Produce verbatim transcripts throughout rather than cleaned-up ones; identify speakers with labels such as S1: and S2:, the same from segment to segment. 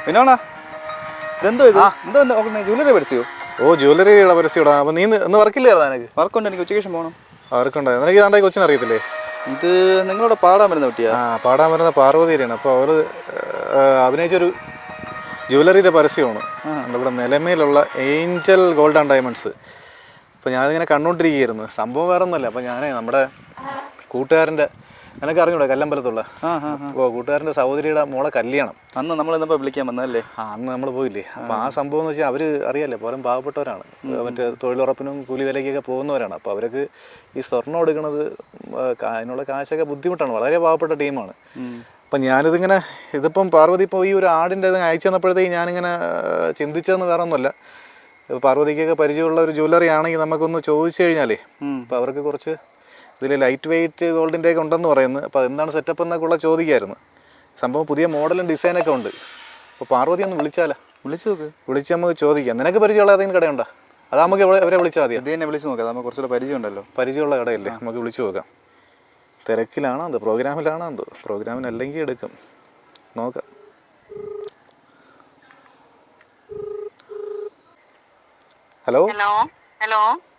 S1: വിനോണ ഇതെന്തോ ഇത് എന്തോ ജ്വല്ലറി പരസ്യോ?
S2: ഓ ജ്വല്ലറിയുടെ പരസ്യടാ. അപ്പോൾ നീ ഇന്ന് വർക്കില്ലായിരുന്നു? എനിക്ക്
S1: വർക്കുണ്ട്, എനിക്ക് ഉച്ചയ്ക്ക് ശേഷം പോകണം.
S2: വർക്കുണ്ടായിരുന്നു. എനിക്ക് ഇതാണ്ടായി കൊച്ചിനെ അറിയത്തില്ലേ?
S1: ഇത് നിങ്ങളോട് പാടാൻ വരുന്ന കുട്ടിയാ?
S2: ആ പാടാൻ വരുന്ന പാർവതിയാണ്. അപ്പോൾ അവർ അഭിനയിച്ചൊരു ജ്വല്ലറിയുടെ പരസ്യമാണ് നമ്മുടെ നിലമേലുള്ള ഏഞ്ചൽ ഗോൾഡ് ആൻഡ് ഡയമണ്ട്സ്. അപ്പോൾ ഞാനിങ്ങനെ കണ്ടുകൊണ്ടിരിക്കുകയായിരുന്നു. സംഭവം വേറെ ഒന്നുമല്ല. അപ്പോൾ ഞാൻ നമ്മുടെ കൂട്ടുകാരൻ്റെ, നിനക്ക് അറിഞ്ഞൂടെ കല്ലമ്പലത്തുള്ള, അപ്പോൾ കൂട്ടുകാരൻ്റെ സഹോദരിയുടെ മോളെ കല്യാണം
S1: അന്ന് നമ്മൾ ഇന്നിപ്പോൾ വിളിക്കാൻ വന്നതല്ലേ?
S2: ആ അന്ന് നമ്മൾ പോയില്ലേ. അപ്പോൾ ആ സംഭവം എന്ന് വെച്ചാൽ അവർ അറിയാമല്ലേ, പോലും പാവപ്പെട്ടവരാണ്, മറ്റേ തൊഴിലുറപ്പിനും കൂലി വിലയ്ക്കൊക്കെ പോകുന്നവരാണ്. അപ്പോൾ അവർക്ക് ഈ സ്വർണ്ണം എടുക്കുന്നത് അതിനുള്ള കാശൊക്കെ ബുദ്ധിമുട്ടാണ്. വളരെ പാവപ്പെട്ട ടീമാണ്. അപ്പം ഞാനിതിങ്ങനെ ഇതിപ്പം പാർവതി ഇപ്പോൾ ഈ ഒരു ആടിൻ്റെ ഇത് അയച്ചു തന്നപ്പോഴത്തേക്ക് ഞാനിങ്ങനെ ചിന്തിച്ചതെന്ന് വേറെ ഒന്നുമല്ല, പാർവതിക്കൊക്കെ പരിചയമുള്ള ഒരു ജ്വല്ലറി ആണെങ്കിൽ നമുക്കൊന്ന് ചോദിച്ചു കഴിഞ്ഞാലേ അപ്പോൾ അവർക്ക് കുറച്ച് ഇതിൽ ലൈറ്റ് വെയ്റ്റ് ഗോൾഡിൻ്റെ ഒക്കെ ഉണ്ടെന്ന് പറയുന്നത്. അപ്പോൾ എന്താണ് സെറ്റപ്പ് എന്നൊക്കെ ഉള്ള ചോദിക്കായിരുന്നു. സംഭവം പുതിയ മോഡലും ഡിസൈനൊക്കെ ഉണ്ട്. അപ്പോൾ പാർവതി ഒന്ന് വിളിച്ചാലോ? വിളിച്ചു നോക്ക്. വിളിച്ച് നമുക്ക് ചോദിക്കാം. നിനക്ക് പരിചയമുള്ള ഏതെങ്കിലും കടയുണ്ടോ? അത് നമുക്ക് അവരെ വിളിച്ചാൽ മതി.
S1: ഇത് തന്നെ വിളിച്ച് നോക്കാം, നമുക്ക് കുറച്ചുകൂടെ പരിചയം ഉണ്ടല്ലോ.
S2: പരിചയമുള്ള കടയല്ലേ, നമുക്ക് വിളിച്ചു നോക്കാം. തിരക്കിലാണോ എന്തോ, പ്രോഗ്രാമിലാണോ എന്തോ? പ്രോഗ്രാമിനല്ലെങ്കിൽ എടുക്കും, നോക്കാം. ഹലോ
S3: ഹലോ ഹലോ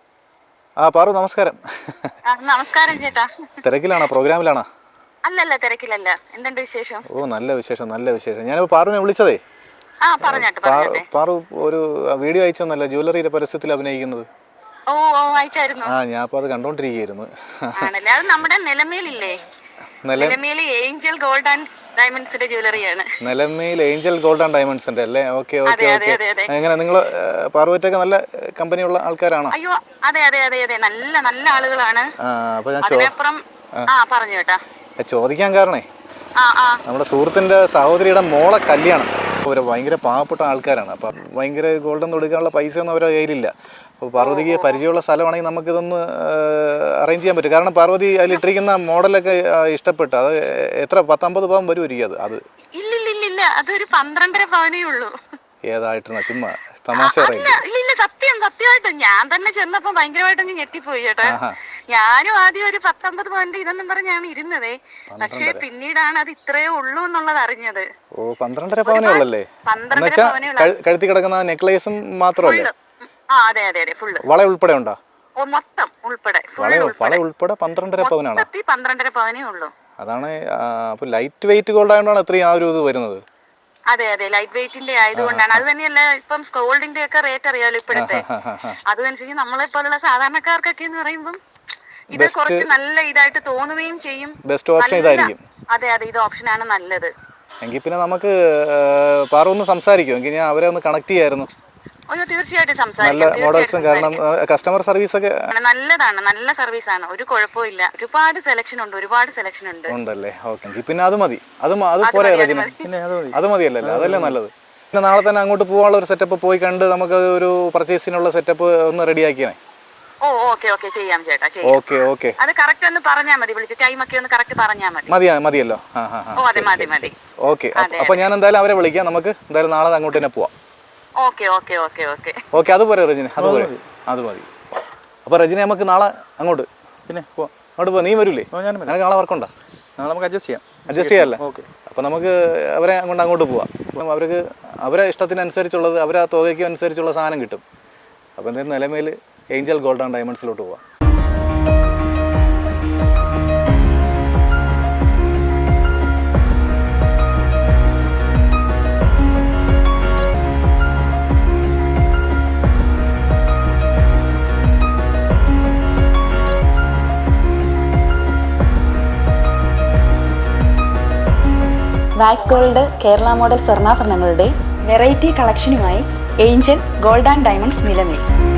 S2: ആ പാറു, നമസ്കാരം.
S3: നമസ്കാരം ചേട്ടാ.
S2: തിരക്കിലാണോ, പ്രോഗ്രാമിലാണോ?
S3: അല്ലല്ല, തിരക്കിലല്ല. എന്തുണ്ട് വിശേഷം?
S2: ഓ നല്ല വിശേഷം, നല്ല വിശേഷം. ഞാനിപ്പോൾ പാറുവിനെ വിളിച്ചതേ,
S3: ആ പറഞ്ഞോട്ടെ പറഞ്ഞോട്ടെ.
S2: പാറു ഒരു വീഡിയോ അയച്ചെന്നല്ല ജ്വല്ലറിയുടെ പരസ്യത്തിൽ അഭിനയിക്കുന്നത്.
S3: ഓ ഓ അയച്ചായിരുന്നു.
S2: ആ ഞാൻ അപ്പോൾ അത് കണ്ടോണ്ടിരിക്കുകയായിരുന്നു.
S3: ആണല്ലേ, അത് നമ്മുടെ നിലമേലില്ലേ, നിലമേൽ ഏഞ്ചൽ ഗോൾഡ് ആൻഡ് ഡയമണ്ട്സിന്റെ ജ്വല്ലറിയാണ്.
S2: Nilamel Angel Gold and Diamonds ഉണ്ട് അല്ലേ? Okay okay okay. എങ്ങനെ നിങ്ങൾ പാർവതിയൊക്കെ നല്ല കമ്പനിയുള്ള ആൾക്കാരാണോ?
S3: അയ്യോ അതെ അതെ അതെ അതെ, നല്ല നല്ല ആളുകളാണ്.
S2: അപ്പോൾ ഞാൻ
S3: അതിനപ്പുറം ആ പറഞ്ഞു കേട്ടാ.
S2: ചോദിക്കാൻ കാരണേ,
S3: ആ ആ
S2: നമ്മുടെ സുഹൃത്തിൻ്റെ സഹോദരിയുടെ മോളെ കല്യാണം. അവർ ഭയങ്കര പാവപ്പെട്ട ആൾക്കാരാണ്. അപ്പം ഭയങ്കര ഗോൾഡൊന്നും എടുക്കാനുള്ള പൈസ ഒന്നും അവരുടെ കയ്യിലില്ല. അപ്പോൾ പാർവതിക്ക് പരിചയമുള്ള സ്ഥലമാണെങ്കിൽ നമുക്കിതൊന്ന് അറേഞ്ച് ചെയ്യാൻ പറ്റും. കാരണം പാർവതി അതിലിട്ടിരിക്കുന്ന മോഡലൊക്കെ ഇഷ്ടപ്പെട്ടു. അത് എത്ര പത്തമ്പത് പവൻ വരുമായിരിക്കും അത്? അത്
S3: ഇല്ലില്ലില്ല, അതൊരു പന്ത്രണ്ടര പവനേ ഉള്ളൂ.
S2: ഏതായിട്ടാണ് ചുമ്മാ തമാശ?
S3: ഇല്ല സത്യം, സത്യമായിട്ട് ഞാൻ തന്നെ ചെന്നപ്പോ ഭയങ്കരമായിട്ട് ഞെട്ടിപ്പോയി ചേട്ടാ. ഞാനും ആദ്യം ഒരു പത്തൊമ്പത് പോയിന്റ് ഇതെന്നും പറഞ്ഞാണ് ഇരുന്നതേ, പക്ഷെ പിന്നീടാണ് അത് ഇത്രയേ ഉള്ളൂ എന്നുള്ളത് അറിഞ്ഞത്.
S2: ഓ പന്ത്രണ്ടര പവനേ ഉള്ളല്ലേ?
S3: പന്ത്രണ്ടര പവനേ
S2: കഴുത്തി കിടക്കുന്ന നെക്ലേസും മാത്രമല്ല,
S3: ആ അതെ അതെ അതെ, ഫുള്ള്
S2: വള ഉൾപ്പെടെ ഉണ്ടോ?
S3: ഓ മൊത്തം ഉൾപ്പെടെ,
S2: വള ഉൾപ്പെടെ പന്ത്രണ്ടര പവനാണ്.
S3: പന്ത്രണ്ടര പവനേ ഉള്ളൂ.
S2: അതാണ്. അപ്പൊ ലൈറ്റ് വെയിറ്റ് ഗോൾഡ് ആയതുകൊണ്ടാണ് ഇത്രയും ആ ഒരു ഇത് വരുന്നത്.
S3: അതെ അതെ, ലൈറ്റ് വെയിറ്റിന്റെ ആയതുകൊണ്ടാണ്. അത് തന്നെയല്ല, ഇപ്പം ഗോൾഡിന്റെ ഒക്കെ റേറ്റ് അറിയാലോ ഇപ്പോഴത്തെ. അതനുസരിച്ച് നമ്മളെ പോലുള്ള സാധാരണക്കാർക്കൊക്കെ എന്ന് പറയുമ്പം ഇത് കുറച്ച് നല്ല ഇതായിട്ട് തോന്നുകയും ചെയ്യും.
S2: ബെസ്റ്റ് ഓപ്ഷൻ ഇതായിരിക്കും.
S3: അതെ അതെ, ഇത് ഓപ്ഷനാണ് നല്ലത്.
S2: എങ്കിൽ പിന്നെ നമുക്ക് പാറ ഒന്ന് സംസാരിക്കും. എങ്കിൽ ഞാൻ അവരെ ഒന്ന് കണക്ട് ചെയ്യായിരുന്നു.
S3: അയ്യോ തീർച്ചയായിട്ടും സംസാരിക്കാം.
S2: മോഡൽസും കാരണം കസ്റ്റമർ സർവീസ് ഒക്കെ
S3: നല്ലതാണ്, നല്ല സർവീസ് ആണ്, ഒരു കുഴപ്പമില്ല. ഒരുപാട് സെലക്ഷൻ ഉണ്ട്, ഒരുപാട് സെലക്ഷൻ ഉണ്ട്.
S2: ഉണ്ടല്ലേ? ഓക്കെ, പിന്നെ അത് മതി. അത് അത് പോരെ, അത് മതിയല്ലേ? അതല്ലേ നല്ലത്. പിന്നെ നാളെ തന്നെ അങ്ങോട്ട് പോകാനുള്ള ഒരു സെറ്റപ്പ് പോയി കണ്ട് നമുക്ക് ഒരു പർച്ചേസിനുള്ള സെറ്റപ്പ് ഒന്ന് റെഡിയാക്കിയേ.
S3: ഓ ഓക്കെ ഓക്കെ, ചെയ്യാം ചേട്ടാ.
S2: ഓക്കെ ഓക്കെ,
S3: അത് കറക്റ്റ് ഒന്ന് പറഞ്ഞാൽ മതി, വിളിച്ച് ടൈം ഒക്കെ ഒന്ന് കറക്റ്റ് പറഞ്ഞാൽ മതി.
S2: മതിയാ മതിയല്ലോ?
S3: ഓ അതെ മതി മതി.
S2: ഓക്കെ, അപ്പൊ ഞാൻ എന്തായാലും അവരെ വിളിക്കാം. നമുക്ക് എന്തായാലും നാളെ അങ്ങോട്ട് തന്നെ പോവാം.
S3: Okay okay okay okay
S2: okay, അത് പോരെ റജിന? അത് പോരെ, അത് മതി. അപ്പോൾ റജിന നമുക്ക് നാളെ അങ്ങോട്ട്
S1: പിന്നെ പോവാം.
S2: അങ്ങോട്ട് പോവാം. നീ വരൂലേ?
S1: ഞാൻ
S2: എനിക്ക് നാളെ വർക്കുണ്ടോ?
S1: നാളെ നമുക്ക് അഡ്ജസ്റ്റ് ചെയ്യാം.
S2: അഡ്ജസ്റ്റ് ചെയ്യാമല്ലേ?
S1: ഓക്കെ.
S2: അപ്പോൾ നമുക്ക് അവരെ കൊണ്ട് അങ്ങോട്ട് പോവാം. അപ്പം അവർക്ക് അവരെ ഇഷ്ടത്തിനനുസരിച്ചുള്ളത്, അവരെ ആ തുകയ്ക്കും അനുസരിച്ചുള്ള സാധനം കിട്ടും. അപ്പോൾ എന്തായാലും നിലമേൽ ഏഞ്ചൽ ഗോൾഡ് ആൻഡ് ഡയമണ്ട്സിലോട്ട് പോവാം.
S4: വാക്സ് ഗോൾഡ് കേരള മോഡൽ സ്വർണ്ണാഭരണങ്ങളുടെ വെറൈറ്റി കളക്ഷനുമായി Angel Gold and Diamonds Nilamel.